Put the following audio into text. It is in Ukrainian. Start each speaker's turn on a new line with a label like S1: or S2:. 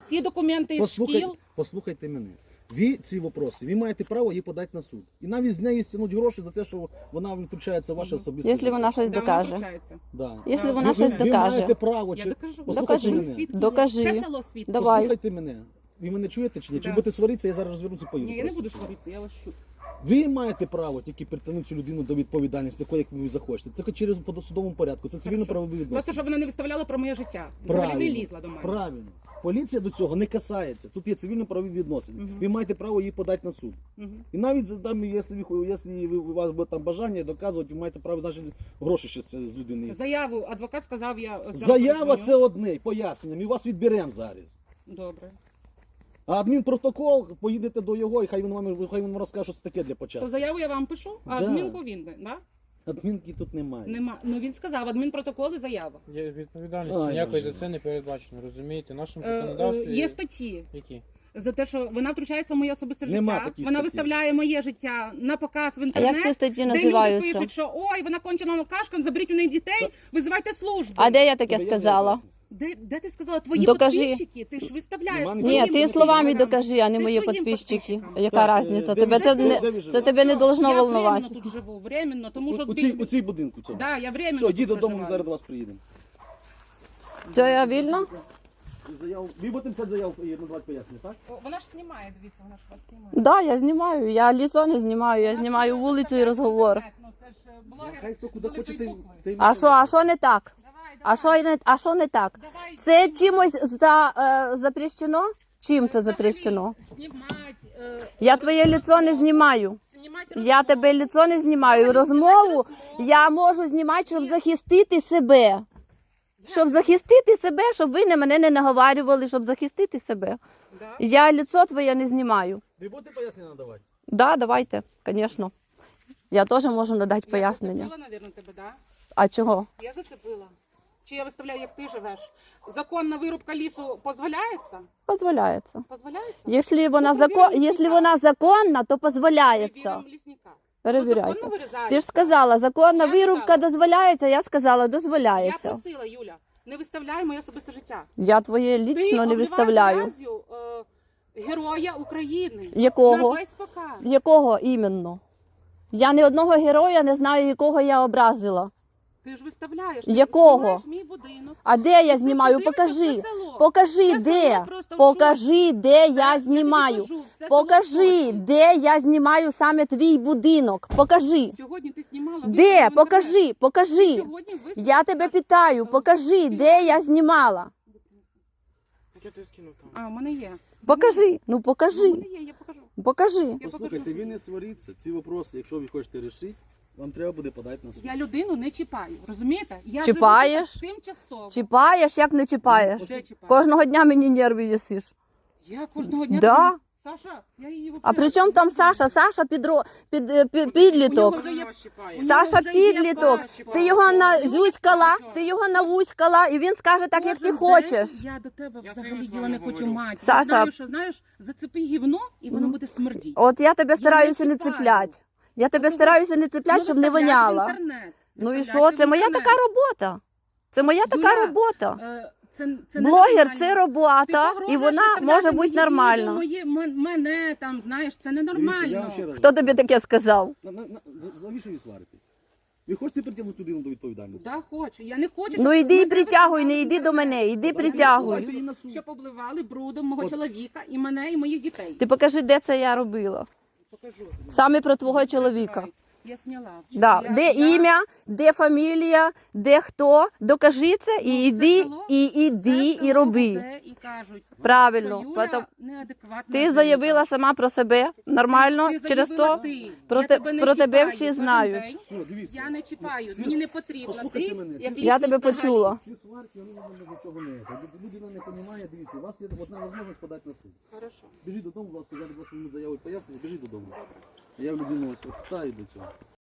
S1: всі документи із шкіл.
S2: Послухайте мене. Ви ці вопроси, ви маєте право її подати на суд. І навіть з неї стягнуть гроші за те, що вона втручається в ваше особисте
S3: Якщо вона щось
S1: Де вона
S3: докаже.
S1: втручається?
S2: Да.
S3: Якщо вона
S2: Ви
S3: щось докаже.
S2: маєте право.
S1: Я
S2: чи-
S1: докажу.
S2: Послухайте
S3: Докажи.
S2: мене.
S1: Свідки є.
S3: Докажи.
S1: Все село свідки.
S3: Давай.
S2: Послухайте мене. Ви мене чуєте чи ні? Чи
S1: Да.
S2: будете сваритися, я зараз розвернуся і поїду.
S1: Ні, я не
S2: просто.
S1: буду сваритися, я вас чую.
S2: Ви маєте право тільки притягнути цю людину до відповідальності, такої, як ви захочете. Це через по судовому порядку, це цивільно-правові відносини.
S1: Просто, щоб вона не виставляла про моє життя. Взагалі не лізла до мене.
S2: Правильно. Поліція до цього не касається. Тут є цивільно-правові відносини. Ви маєте право її подати на суд. І навіть там, якщо у вас буде там бажання доказувати, ви маєте право навіть гроші ще з людини.
S1: Заяву адвокат сказав, я
S2: Заява це одне, пояснення. Ми вас відберемо зараз.
S1: Добре.
S2: А адмінпротокол, поїдете до його, і хай він вам розкаже, що це таке для початку.
S1: То заяву я вам пишу, а
S2: Да.
S1: адмінку він, да?
S2: Адмінки тут немає.
S1: Нема. Ну він сказав, адмінпротокол і заява.
S4: Є відповідальність,
S2: Ай,
S4: ніякої
S2: Боже.
S4: за це не передбачено, розумієте? В нашому
S1: Є
S4: законодавстві...
S1: статті
S4: Які?
S1: за те, що вона втручається в моє особисте
S2: Нема
S1: життя.
S2: таких
S1: Вона
S2: статей.
S1: виставляє моє життя на показ в
S3: А
S1: інтернет.
S3: як ці статті
S1: Де люди
S3: називаються?
S1: пишуть, що ой, вона кончена алкашка, заберіть у неї дітей, визивайте службу.
S3: А де я таке
S2: Тебе є
S3: сказала?
S2: ясно?
S1: Де ти сказала? Твої
S3: Докажи.
S1: підписчики? Ти ж виставляєш
S2: Нема
S1: своїм
S3: Ні, ти
S1: підписчикам.
S3: словами докажи, а не
S1: Ти
S3: мої
S1: своїм
S3: підписчики.
S1: підписчикам.
S3: Яка
S2: Так,
S3: різниця?
S2: де
S3: Тебе
S2: ви
S3: це
S2: живете? Де ви
S3: не
S2: живете?
S3: тебе не должно
S1: Я
S3: волнувати.
S1: временно тут живу, временно, тому що
S2: У цій будинку цьому.
S1: Да, я временно
S2: Все,
S1: тут
S2: йдіть додому, ми
S1: проживаю.
S2: зараз до вас приїдемо.
S3: Це я вільно?
S2: Ви будете писати заяву і надавати пояснення, так?
S1: О, вона ж знімає, дивіться, вона ж вас знімає.
S3: Да, я знімаю. Я лицо не знімаю, я знімаю вулицю і розговор.
S1: Ну це ж блогер
S2: Хай хто
S1: з
S2: куди
S1: великої
S2: хоче,
S1: букви.
S3: А що не так? А що не так?
S1: Давай,
S3: Це чимось запрещено? Чим це запрещено? Я твоє лицо не знімаю. Я тебе лицо не знімаю. Розмову я можу знімати, щоб захистити себе. Щоб захистити себе, щоб ви на мене не наговарювали, щоб захистити себе. Я лицо твоє не знімаю.
S2: Ви будете пояснення надавати?
S3: Да, давайте, звісно. Я теж можу надати пояснення.
S1: Я зацепила, мабуть, тебе, да?
S3: А чого?
S1: Я зацепила. Чи я виставляю, як ти живеш? Законна вирубка лісу дозволяється?
S3: Дозволяється.
S1: Дозволяється?
S3: Якщо вона,
S1: Ну, перевіримо
S3: якщо
S1: лісника.
S3: вона законна, то дозволяється.
S1: Перевіримо лісника.
S3: Перевіряйте.
S1: законно вирізається?
S3: Ти ж сказала, законна
S1: Я
S3: вирубка
S1: сказала.
S3: дозволяється, я сказала,
S1: Я
S3: дозволяється.
S1: просила, Юля, не виставляй моє особисте життя.
S3: Я твоє
S1: Ти
S3: лічно не
S1: обливаєш
S3: виставляю.
S1: грязю, Героя України.
S3: Якого?
S1: На весь показ.
S3: Якого іменно? Я ні одного героя не знаю, якого я образила.
S1: Ти ж виставляєш.
S3: Якого?
S1: Ти знімаєш мій будинок.
S3: А де я
S1: Це
S3: знімаю?
S1: все дивиться
S3: Покажи.
S1: все село.
S3: Покажи,
S1: Все
S3: де.
S1: село просто в
S3: Покажи, де
S1: Все,
S3: я
S1: тобі
S3: знімаю.
S1: кажу, все село в
S3: Покажи,
S1: шоці.
S3: де я знімаю саме твій будинок. Покажи.
S1: Сьогодні ти знімала.
S3: Де?
S1: виставила в інтернет.
S3: Покажи,
S1: Ти
S3: покажи.
S1: сьогодні виставила.
S3: Я тебе питаю, покажи, де я знімала.
S4: Я тобі скинув там.
S1: А, у мене є.
S3: Покажи, ну
S1: У
S3: покажи,
S1: мене є, я покажу.
S3: покажи.
S1: Я
S2: Послухайте,
S1: покажу.
S2: ви не сваріться. Ці вопроси, якщо ви хочете рішити, вам треба буде подати на суд.
S1: Я людину не чіпаю, розумієте? Я
S3: Чіпаєш?
S1: живу тимчасово.
S3: Чіпаєш, як не чіпаєш?
S1: Ще чіпаю.
S3: Кожного дня мені нерви їсиш.
S1: Я кожного дня...
S3: Да.
S1: Саша, я її
S3: А при чому там Саша? Саша підліток.
S1: підліток.
S3: Саша підліток. Ти його назюськала, ти його навуськала, і він скаже так, як ти хочеш.
S1: Я до тебе
S4: Я
S1: взагалі
S4: своїм
S1: діла не
S4: словом
S1: хочу
S4: говорю.
S1: мати.
S3: Саша.
S1: Я знаю, що, знаєш, зацепи гівно, і воно буде смердіти.
S3: От я тебе стараюся не
S1: чіпаю.
S3: цеплять. Я тебе стараюся не цеплять, щоб не воняла. Ну і що? Це моя така робота. Це моя така
S1: Юля,
S3: робота.
S1: Це
S3: Блогер
S1: ненормально.
S3: це
S1: Ти
S3: робота,
S1: погрожуєш
S3: і вона
S1: виставляти
S3: може бути
S1: мої
S3: нормальна.
S1: відео, мене там, знаєш, це
S2: Дивіться, я
S1: ненормально.
S2: вам ще раз
S3: Хто тобі таке сказав?
S2: Завіщо ви сваритесь? Ви хочете притягнути людину до відповідальності?
S1: Да, хочу. Я не хочу,
S3: Ну
S1: щоб
S3: йди і
S1: мене
S3: притягуй, не
S1: виставляли
S3: йди
S1: в
S3: до мене,
S1: інтернет.
S3: йди
S2: Давайте
S3: притягуй.
S2: її на суд.
S1: Щоб обливали брудом мого
S2: От.
S1: чоловіка і мене, і моїх дітей.
S3: Ти покажи, де це я робила.
S1: Покажу.
S3: Саме про твого чоловіка.
S1: Я сняла.
S3: Да.
S1: Я-
S3: Де
S1: я-
S3: ім'я, де фамілія, де хто. Докажи це і
S1: Ну,
S3: йди,
S1: все село-
S3: і іди,
S1: все
S3: і
S1: село
S3: роби.
S1: буде І кажуть,
S3: Правильно.
S1: що Юля
S3: Потом-
S1: неадекватна
S3: Ти
S1: жінка.
S3: заявила сама про себе нормально,
S1: Ти
S3: через
S1: заявила
S3: то
S1: ти.
S3: про
S1: Я
S3: те-
S1: тебе не
S3: про тебе
S1: чіпаю
S3: всі
S1: кожен
S3: знають.
S1: день.
S2: Все, дивіться.
S1: Я не чіпаю,
S2: Ці-
S1: мені не потрібно.
S2: послухайте
S1: Ти,
S2: мене.
S1: як
S3: Я
S1: лісник
S3: тебе
S1: взагалі.
S3: почула.
S2: Ці сварки, вони до чого не є. Людина не розуміє, дивіться, у вас є одна можливість подати на суд.
S1: Хорошо.
S2: Біжіть додому, будь ласка, зараз вас заяву пояснення, біжіть додому. Я людину ось питаю до цього.